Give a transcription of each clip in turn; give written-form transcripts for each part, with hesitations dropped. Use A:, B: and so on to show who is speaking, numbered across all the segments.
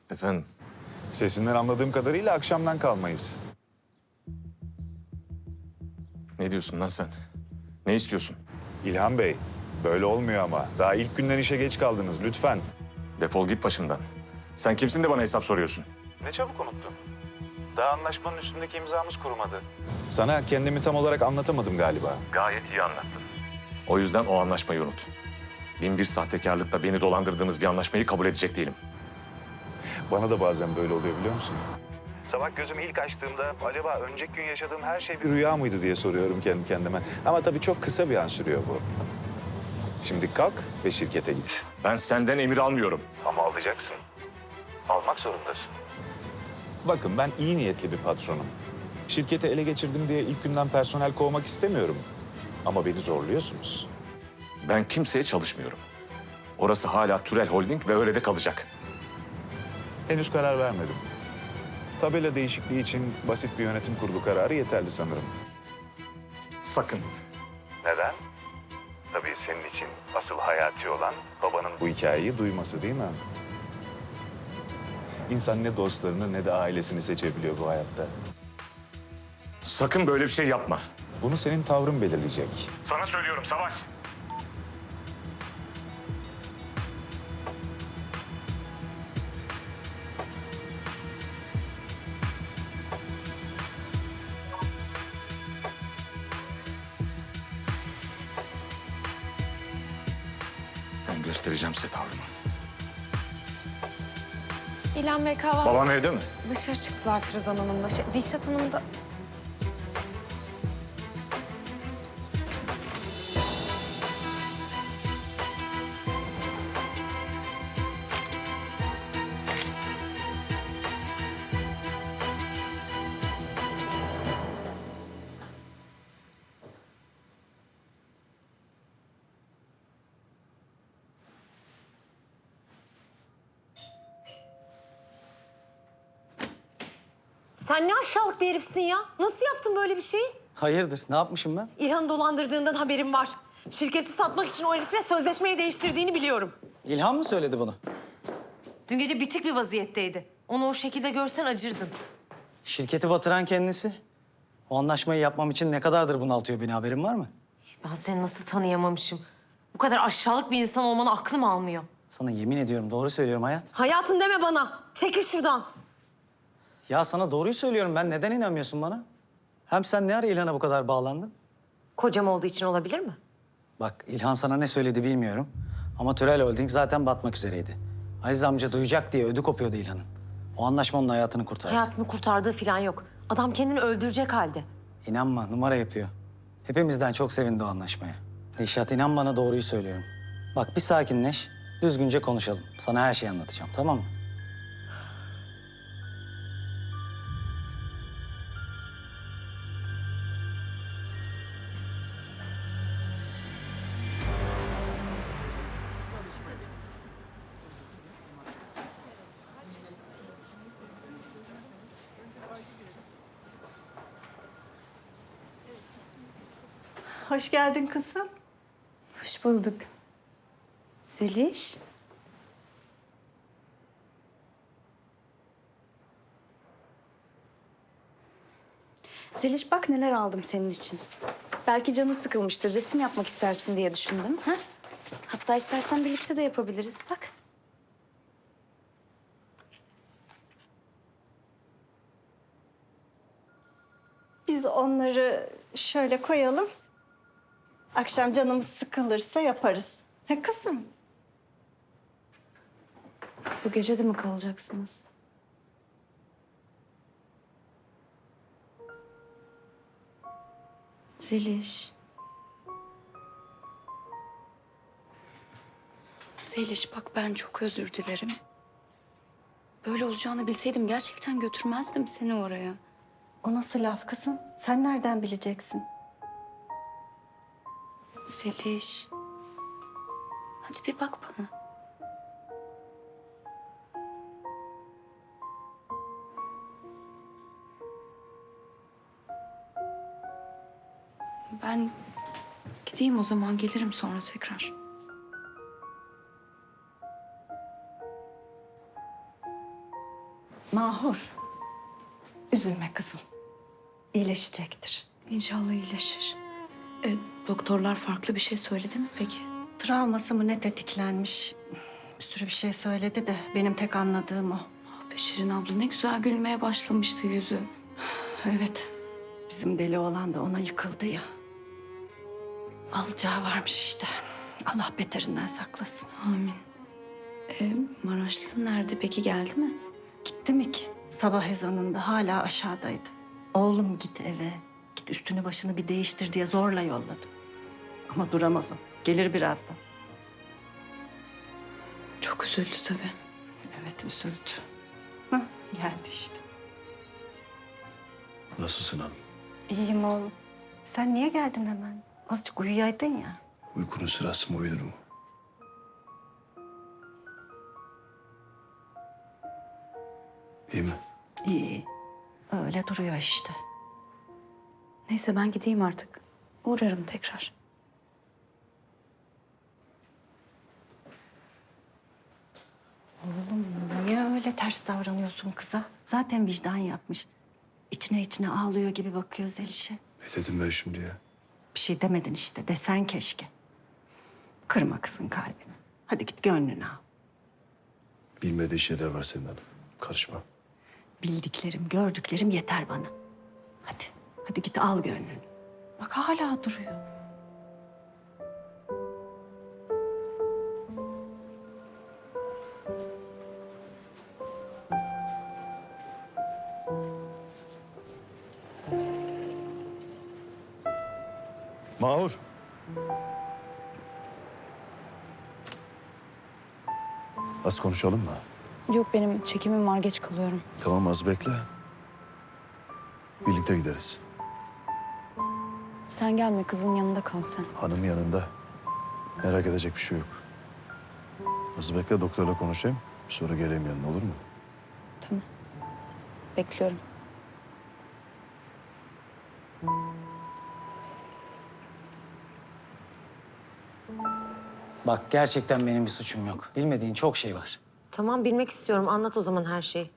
A: Efendim?
B: Sesinden anladığım kadarıyla akşamdan kalmayız.
A: Ne diyorsun lan sen? Ne istiyorsun?
B: İlhan Bey, böyle olmuyor ama. Daha ilk günden işe geç kaldınız, lütfen.
A: Defol git başımdan. Sen kimsin de bana hesap soruyorsun?
B: Ne çabuk unuttun. Daha anlaşmanın üstündeki imzamız kurumadı. Sana kendimi tam olarak anlatamadım galiba.
A: Gayet iyi anlattın. O yüzden o anlaşmayı unut. Bin bir sahtekarlıkla beni dolandırdığınız bir anlaşmayı kabul edecek değilim.
B: Bana da bazen böyle oluyor biliyor musun? Sabah gözümü ilk açtığımda acaba önceki gün yaşadığım her şey bir rüya mıydı diye soruyorum kendi kendime. Ama tabii çok kısa bir an sürüyor bu. Şimdi kalk ve şirkete git.
A: Ben senden emir almıyorum.
B: Ama alacaksın. Almak zorundasın. Bakın ben iyi niyetli bir patronum. Şirketi ele geçirdim diye ilk günden personel kovmak istemiyorum. Ama beni zorluyorsunuz.
A: Ben kimseye çalışmıyorum. Orası hala Türel Holding ve öyle de kalacak.
B: Henüz karar vermedim. Tabela değişikliği için basit bir yönetim kurulu kararı yeterli sanırım.
A: Sakın.
B: Neden? Tabii senin için asıl hayati olan babanın bu hikayeyi duyması değil mi? İnsan ne dostlarını ne de ailesini seçebiliyor bu hayatta.
A: Sakın böyle bir şey yapma.
B: Bunu senin tavrın belirleyecek.
A: Sana söylüyorum Savaş. Ben göstereceğim size tavrımı.
C: İlhan Bey kahvaltı...
A: Babam evde mi?
C: Dışarı çıktılar Firuzan Hanım'la. Dilşat Hanım da... Sen ne aşağılık bir herifsin ya. Nasıl yaptın böyle bir şeyi?
D: Hayırdır? Ne yapmışım ben?
C: İlhan'ı dolandırdığından haberim var. Şirketi satmak için o herifle sözleşmeyi değiştirdiğini biliyorum.
D: İlhan mı söyledi bunu?
C: Dün gece bitik bir vaziyetteydi. Onu o şekilde görsen acırdın.
D: Şirketi batıran kendisi. O anlaşmayı yapmam için ne kadardır bunaltıyor beni, haberin var mı?
C: Ben seni nasıl tanıyamamışım? Bu kadar aşağılık bir insan olmanı aklım almıyor.
D: Sana yemin ediyorum, doğru söylüyorum hayat.
C: Hayatım deme bana. Çekil şuradan.
D: Ya sana doğruyu söylüyorum, ben neden inanmıyorsun bana? Hem sen ne ara İlhan'a bu kadar bağlandın?
C: Kocam olduğu için olabilir mi?
D: Bak, İlhan sana ne söyledi bilmiyorum. Ama Türel Holding zaten batmak üzereydi. Aziz amca duyacak diye ödü kopuyordu İlhan'ın. O anlaşma onun hayatını kurtardı.
C: Hayatını kurtardığı falan yok. Adam kendini öldürecek halde.
D: İnanma, numara yapıyor. Hepimizden çok sevindi o anlaşmaya. Dilşat, inan bana, doğruyu söylüyorum. Bak bir sakinleş, düzgünce konuşalım. Sana her şeyi anlatacağım, tamam mı?
E: Hoş geldin kızım.
C: Hoş bulduk. Zeliş.
E: Zeliş bak neler aldım senin için. Belki canın sıkılmıştır, resim yapmak istersin diye düşündüm. Ha? Hatta istersen birlikte de yapabiliriz bak. Biz onları şöyle koyalım. Akşam canımız sıkılırsa yaparız. Ha kızım? Bu gece de mi kalacaksınız? Zeliş.
F: Zeliş bak ben çok özür dilerim. Böyle olacağını bilseydim gerçekten götürmezdim seni oraya.
E: O nasıl laf kızım? Sen nereden bileceksin?
F: Zeliş. Hadi bir bak bana. Ben gideyim o zaman, gelirim sonra tekrar.
G: Mahur, üzülme kızım. İyileşecektir.
F: İnşallah iyileşir. Doktorlar farklı bir şey söyledi mi peki?
G: Travması mı ne tetiklenmiş? Bir sürü bir şey söyledi de benim tek anladığım o.
F: Ah be Şirin abla ne güzel gülmeye başlamıştı yüzü.
G: Evet, bizim deli olan da ona yıkıldı ya. Alacağı varmış işte. Allah beterinden saklasın.
F: Amin. Maraşlı nerede peki, geldi mi?
G: Gitti mi ki? Sabah ezanında hala aşağıdaydı. Oğlum git eve, git üstünü başını bir değiştir diye zorla yolladım. Ama duramaz o. Gelir birazdan.
F: Çok üzüldü tabii.
G: Evet, üzüldü. Hah, geldi işte.
H: Nasılsın hanım?
G: İyiyim oğlum. Sen niye geldin hemen? Azıcık uyuyaydın ya.
H: Uykunun sırası mı uyunur mu? İyi mi?
G: İyi. Öyle duruyor işte.
F: Neyse ben gideyim artık. Uğrarım tekrar.
G: Oğlum niye öyle ters davranıyorsun kıza? Zaten vicdan yapmış. İçine içine ağlıyor gibi bakıyor Zeliş'e.
H: Ne dedim ben şimdi ya?
G: Bir şey demedin işte. Desen keşke. Kırma kızın kalbini. Hadi git gönlünü al.
H: Bilmediği şeyler var senin hanım. Karışma.
G: Bildiklerim, gördüklerim yeter bana. Hadi, hadi git al gönlünü. Bak hala duruyor.
H: Mahur. Az konuşalım mı?
F: Yok benim çekimim var, geç kalıyorum.
H: Tamam, az bekle. Birlikte gideriz.
F: Sen gelme, kızın yanında kal sen.
H: Hanım yanında. Merak edecek bir şey yok. Az bekle, doktorla konuşayım. Sonra geleyim yanına, olur mu?
F: Tamam. Bekliyorum.
D: Bak gerçekten benim bir suçum yok. Bilmediğin çok şey var.
C: Tamam, bilmek istiyorum. Anlat o zaman her şeyi.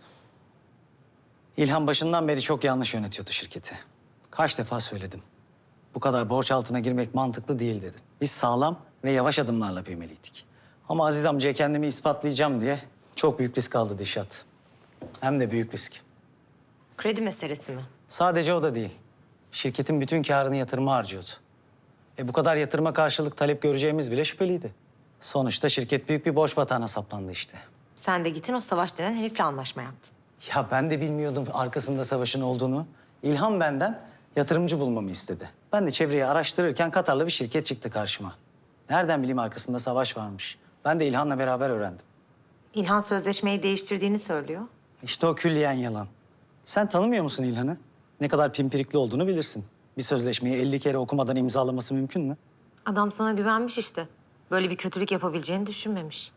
D: İlhan başından beri çok yanlış yönetiyordu şirketi. Kaç defa söyledim. Bu kadar borç altına girmek mantıklı değil dedim. Biz sağlam ve yavaş adımlarla büyümeliydik. Ama Aziz amcaya kendimi ispatlayacağım diye çok büyük risk aldı Dişat. Hem de büyük risk.
C: Kredi meselesi mi?
D: Sadece o da değil. Şirketin bütün karını yatırıma harcıyordu. Bu kadar yatırıma karşılık talep göreceğimiz bile şüpheliydi. Sonuçta şirket büyük bir borç batağına saplandı işte.
C: Sen de gittin o Savaş denen herifle anlaşma yaptın.
D: Ya ben de bilmiyordum arkasında savaşın olduğunu. İlhan benden yatırımcı bulmamı istedi. Ben de çevreyi araştırırken Katarlı bir şirket çıktı karşıma. Nereden bileyim arkasında savaş varmış. Ben de İlhan'la beraber öğrendim.
C: İlhan sözleşmeyi değiştirdiğini söylüyor.
D: İşte o külliyen yalan. Sen tanımıyor musun İlhan'ı? Ne kadar pimpirikli olduğunu bilirsin. Bir sözleşmeyi 50 kere okumadan imzalaması mümkün mü?
C: Adam sana güvenmiş işte. Böyle bir kötülük yapabileceğini düşünmemiş.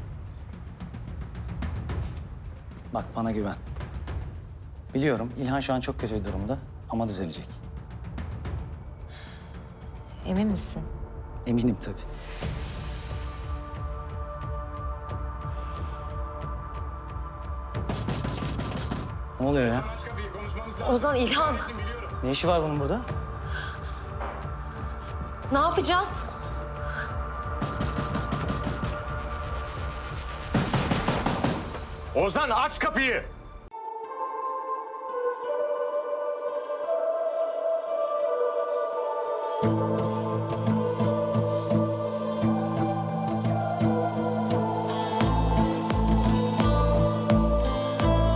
D: Bak bana güven. Biliyorum İlhan şu an çok kötü bir durumda ama düzelecek.
C: Emin misin?
D: Eminim tabii. Ne oluyor ya?
C: Ozan, İlhan.
D: Ne işi var bunun burada?
C: Ne yapacağız?
A: Ozan aç kapıyı.